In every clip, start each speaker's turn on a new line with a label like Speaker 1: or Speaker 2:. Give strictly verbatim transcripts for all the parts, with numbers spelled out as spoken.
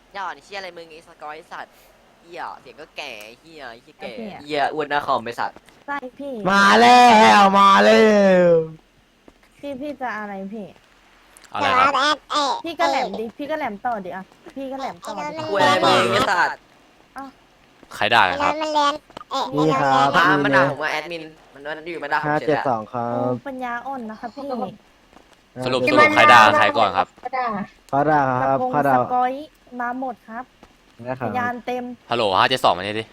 Speaker 1: ย่าอ่อนเชี่ยอะไรมึงไอ้สกอยสัตว์เหี้ยเสียงก็แก่เหี้ยไอ้เหี้ยแก่
Speaker 2: พี่อะ
Speaker 1: เหี้ยอ้วนหน้าคอมไปสัตว์
Speaker 2: ใช่พี่
Speaker 3: มาแล้วมาแล้ว
Speaker 2: พี่พี่จะอะไรพี่
Speaker 4: อะไรครับ
Speaker 2: พี่ก็แหลมดิพี่ก็แหลมต่อดิอ่ะพี่ก็แหลมต่อดิ
Speaker 1: คุยอะไรมึงไอ้สัตว์
Speaker 4: ใครด่ากันครับ
Speaker 5: มันเรียนเอ๊ะ
Speaker 3: นี่ครับ
Speaker 1: พา
Speaker 3: นี่
Speaker 1: มัน
Speaker 3: นะ
Speaker 1: ด่าผมว่าแอดมินมันมันอยู่มาด่าผม
Speaker 3: ห้า
Speaker 1: เฉย
Speaker 3: เจ็ด
Speaker 1: แหละ
Speaker 3: สองครั
Speaker 2: โอ้
Speaker 3: บ
Speaker 2: ปัญญาอ่อนนะคะพี่
Speaker 4: สรุปสรุปใครด่าใครก่อนครับ
Speaker 3: เขาด่าครับ
Speaker 2: กระโปรง
Speaker 3: เขาด่า
Speaker 2: สกอยมาหมดครับ
Speaker 3: นะค
Speaker 2: พ
Speaker 3: รับ
Speaker 2: ยานเต็ม
Speaker 4: ฮัลโหลห้าเจ็ดสองมานี่ดิ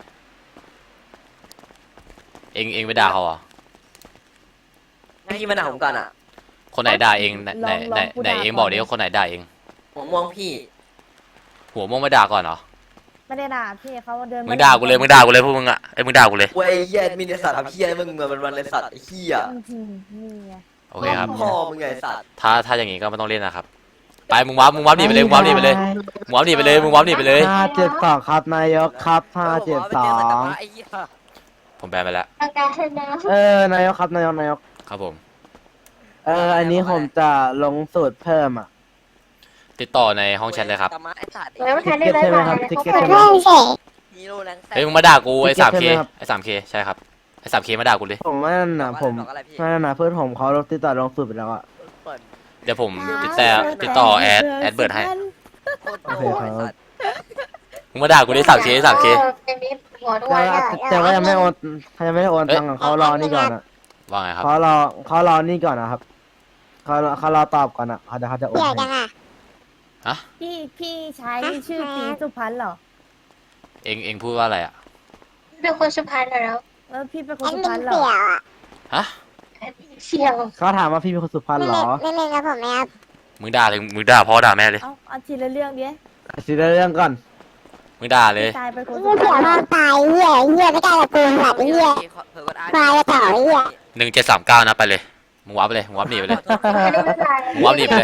Speaker 4: เองเองไปด่าเขาเหรอ
Speaker 1: ให้ที่มาด่าผมก่อนอ่ะ
Speaker 4: คนไหนด่าเองไหนไหนไหนไหนเองบอกดิว่าคนไหนด่าเอง
Speaker 1: หัวม่วงพี่
Speaker 4: หัวม่วงไม่ด่าก่อนเหรอ
Speaker 2: ไม่ได้ด่าพี่เขาเดิน
Speaker 4: มึงด่ากูเลยมึงด่ากูเลยพวกมึงอะไอ้ยมึงด่ากูเลย
Speaker 1: เว้ยเหี้ยแอดมินไอ้สัตว์ทำเหี้ยมึงเหมือนมันวันไอ้สัตว์ไอ้เหี้ย
Speaker 2: อื้อหือนี่ไง
Speaker 4: โอเคครับ
Speaker 1: พ่อมึงไงไอ้สัตว์
Speaker 4: ถ้าถ้าอย่างงี้ก็ไม่ต้องเล่นนะครับ ไปมึงวับมึงวับหนีไปเลยมึงวับหนีไปเลยมึงวับหนีไปเลยมึงวับหนีไปเลย
Speaker 3: ห้าเจ็ดสองครับนายกครับห้าเจ็ดสอง
Speaker 1: ไอ้เหี้ย
Speaker 4: ผมแบนไปแล้ว
Speaker 3: เออนายกครับนายกนายก
Speaker 4: ครับผม
Speaker 3: เอออันนี้ผมจะลงสูตรเพิ่มอ่ะ
Speaker 4: ติดต่อในห้องแชทเลยครับ
Speaker 1: ตะมะไอ้สัตว์
Speaker 5: แล้วมันทันได้
Speaker 3: ทิก
Speaker 5: ร้อ
Speaker 3: เก็
Speaker 5: ย
Speaker 3: ตใช่
Speaker 5: บา
Speaker 3: ไหม
Speaker 5: ท
Speaker 3: ครับ
Speaker 5: อะไร
Speaker 3: ทิกเก็ต
Speaker 5: เขา
Speaker 3: ใช่ไหม
Speaker 5: เพิ่มเสร็จ
Speaker 1: ฮีโร่แรงแซ่
Speaker 4: เฮ้ยมึงมาด่ากูไอ้สามเค
Speaker 3: ใช่ไหมครับ
Speaker 4: ไอ้สามเคใช่ครับไอ้สามเคมาด่ากูเลย
Speaker 3: ผมว่านั่นนะผมว่านั่นนะเพื่อนผมเขาติดต่อลงสูตรไปแล้วอ่ะ
Speaker 1: เปิด
Speaker 4: เดี๋ยวผมติดแต่ติดต่อแอดแอดเบิร์ดให้
Speaker 1: โคตรโง่ไอ้สัตว์
Speaker 4: มึงมาด่ากูดิสามเคสามเค
Speaker 5: เป็นมิตรหัวด้ว
Speaker 3: แต่
Speaker 5: ย
Speaker 3: ว่าแต่ว่ายังไม่โอนยังไม่ได้โอนตังค์อะเขารอนี่ก่อนอ่ะ
Speaker 4: ว่าไงครับ
Speaker 3: เขารอเขารอนี่ก่อนนะครับเขารอเขารอตอบก่อนอ่ะเขาเดี๋ยวเขาจะโอน
Speaker 5: เหี้ย
Speaker 3: ให้
Speaker 5: จังอ่ะ
Speaker 2: พี่พี่ใช้ชื่อตีสุพรรณเหรอ
Speaker 4: เองเองพูดว่าอะไรอ่ะ
Speaker 5: เป็นคนสุพรรณเหรอ
Speaker 2: เออพี่เป็นค
Speaker 5: แอน ด
Speaker 2: สุ
Speaker 5: มิ
Speaker 2: พรร
Speaker 5: น
Speaker 2: ณเหร
Speaker 5: เสี่
Speaker 2: อ
Speaker 5: ยวอ่ะ
Speaker 4: ฮะ
Speaker 5: แอดมินเสี่ยว
Speaker 3: เขาถามว่าพี่เป็นคนสุพรรณ
Speaker 5: ไม่
Speaker 3: เหร
Speaker 5: เล่น
Speaker 3: อ
Speaker 5: ไม่เล่นกับผมไหมครับ
Speaker 4: มึงด่าถึงมึงด่าพ่อด่าแม่เลย
Speaker 2: เอาเอาทีละเรื่องดิ
Speaker 3: สิเรื่องก่อน
Speaker 4: มึงด่าเลย
Speaker 2: พี่ตายเป็นคนสุ
Speaker 5: เหี้ย
Speaker 2: พร
Speaker 5: เสี่ยว
Speaker 2: รณ
Speaker 5: นอนตายเหี้ยเหี้ยไม่กล้ากับกูหลับเหี้ย
Speaker 1: เผื่อกดอ่าน
Speaker 5: ควายจะต่อไอ้เหี้ย
Speaker 4: หนึ่งเจ็ดสามเก้านะไปเลยมึงวับไปเลยมึงวับหนีไปเลย มึงว่าหนีไปเลย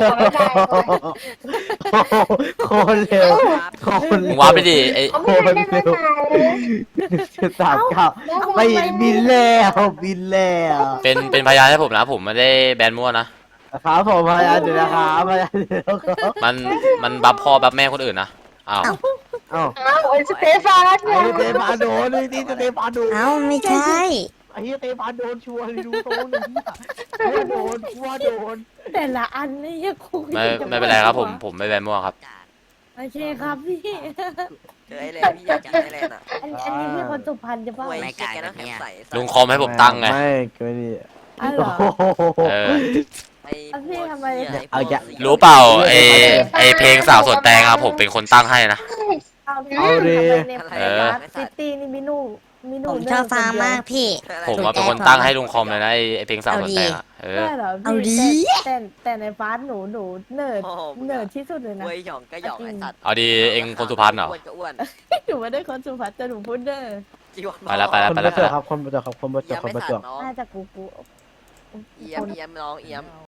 Speaker 3: โคนเร็วโคน
Speaker 4: มึงวับไปดิไอ้
Speaker 5: เขาไม่ได้เล่นไม่ตายเลย
Speaker 3: จุดสามเก้าไม่บินแล้วบินแล้ว
Speaker 4: เป็นเป็นพยานให้ผมนะผมไม่ได้แบนมั่วนะครับ
Speaker 3: ผมพยายามอยู่นะครับพยายามอยู่นะครับ
Speaker 4: มันมันบัฟพ่อบัฟแม่คนอื่นนะอ้าว
Speaker 3: เอ้า
Speaker 5: อ้าวไอ้สเตฟาน
Speaker 3: ไอ้สเตฟานโดนนี่นี่สเตฟานโดน
Speaker 6: เอ้าไม่ใช่
Speaker 3: ไอ้สเตฟานโดนชัวร์เลยดูโตหนึ่งว่าโดนว่าโดน
Speaker 2: แต่ละอันนี่ยังคุย
Speaker 4: ไม่ไม่เป็นไรครับผมผมไม่แบนมั่วครับ
Speaker 2: โอเคครับพี่
Speaker 1: เจอไอ้แลนพี่อยากเจอไอ้แลนอ่ะ
Speaker 2: อันอันนี้พี่คนสุพรรณจะเปล่า
Speaker 1: เว้ยเชี่ยแกน้ำแข็งใส
Speaker 4: ลุงคอมให้ผมตั้งไง
Speaker 3: ไม่เกินนี่
Speaker 2: อ๋อเหรอ
Speaker 4: เออ
Speaker 1: ไอ้
Speaker 2: เอาพี่ทำไม
Speaker 3: เอาอย่า
Speaker 4: รู้เปล่าไอไอเพลงสาวสวนแตงอะผมเป็นคนตั้งให้นะ
Speaker 2: เอาพี่
Speaker 3: เอาดิ
Speaker 2: ทำไมในพยาซิตี้นี่มีหนูมีหนู
Speaker 6: ผมชอบฟาร์มมากพี่
Speaker 4: ผมว่าเป็นคนตั้งให้ลุงคอมเลยนะไอไอเพลงสาวสวนแตงอะเออ
Speaker 2: ได้เหรอ
Speaker 6: เอาดิ
Speaker 2: พี่แต่แต่แต่ในฟาสหนูหนูเนิร์ดเนิร์ดที่สุดเลยนะ
Speaker 1: เว้ยหยองก็หยองไอ้สัตว์
Speaker 4: เอาดีเองคนสุพรรณเหรอ
Speaker 1: อ้วนก็อ้วน
Speaker 2: หนูไม่ได้คนสุพรรณแต่หนูพูดเนิร์ด
Speaker 1: จีวร
Speaker 4: ไปแล้วไปแล้ว
Speaker 3: คนประจวบครับคนประจวบครับคนประจวบ
Speaker 1: เอีย
Speaker 3: คน
Speaker 1: ไม่
Speaker 3: ประจ
Speaker 1: สั
Speaker 3: ว
Speaker 1: ต
Speaker 3: บ
Speaker 1: ว์น้อง
Speaker 2: น่าจะกูกู
Speaker 1: เอียมเอียมน้องเอียม